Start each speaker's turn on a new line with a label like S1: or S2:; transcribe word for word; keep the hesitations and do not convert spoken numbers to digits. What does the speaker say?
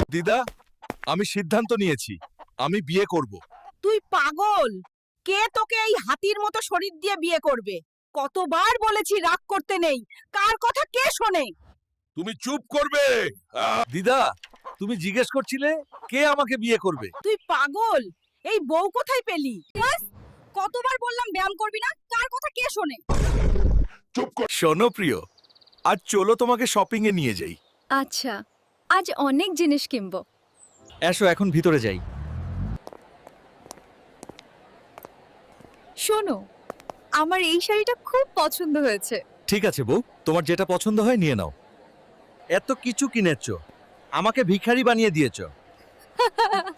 S1: দিদা, আমি সিদ্ধান্ত নিয়েছি, আমি বিয়ে করব।
S2: তুই পাগল? কে তোকে এই হাতির মতো শরীর দিয়ে বিয়ে করবে? কতবার বলেছি রাগ করতে নেই, কার কথা কে শোনে?
S1: তুমি চুপ করবে। দিদা, তুমি জিজ্ঞেস করছিলে কে আমাকে বিয়ে করবে।
S2: তুই পাগল? এই বউ কোথায় পেলি? কতবার বললাম ব্যায়াম করবি না, কার কথা কে শোনে?
S1: চুপ কর। শোনো প্রিয়, আজ চলো তোমাকে শপিং এ নিয়ে যাই।
S3: আচ্ছা, আজ অনেক জিনিস কিনবো।
S1: এসো এখন ভিতরে যাই।
S3: শোনো, আমার এই শাড়িটা খুব পছন্দ হয়েছে।
S1: ঠিক আছে বউ, তোমার যেটা পছন্দ হয় নিয়ে নাও। এত কিছু কিনেছো, আমাকে ভিখারি বানিয়ে দিয়েছো।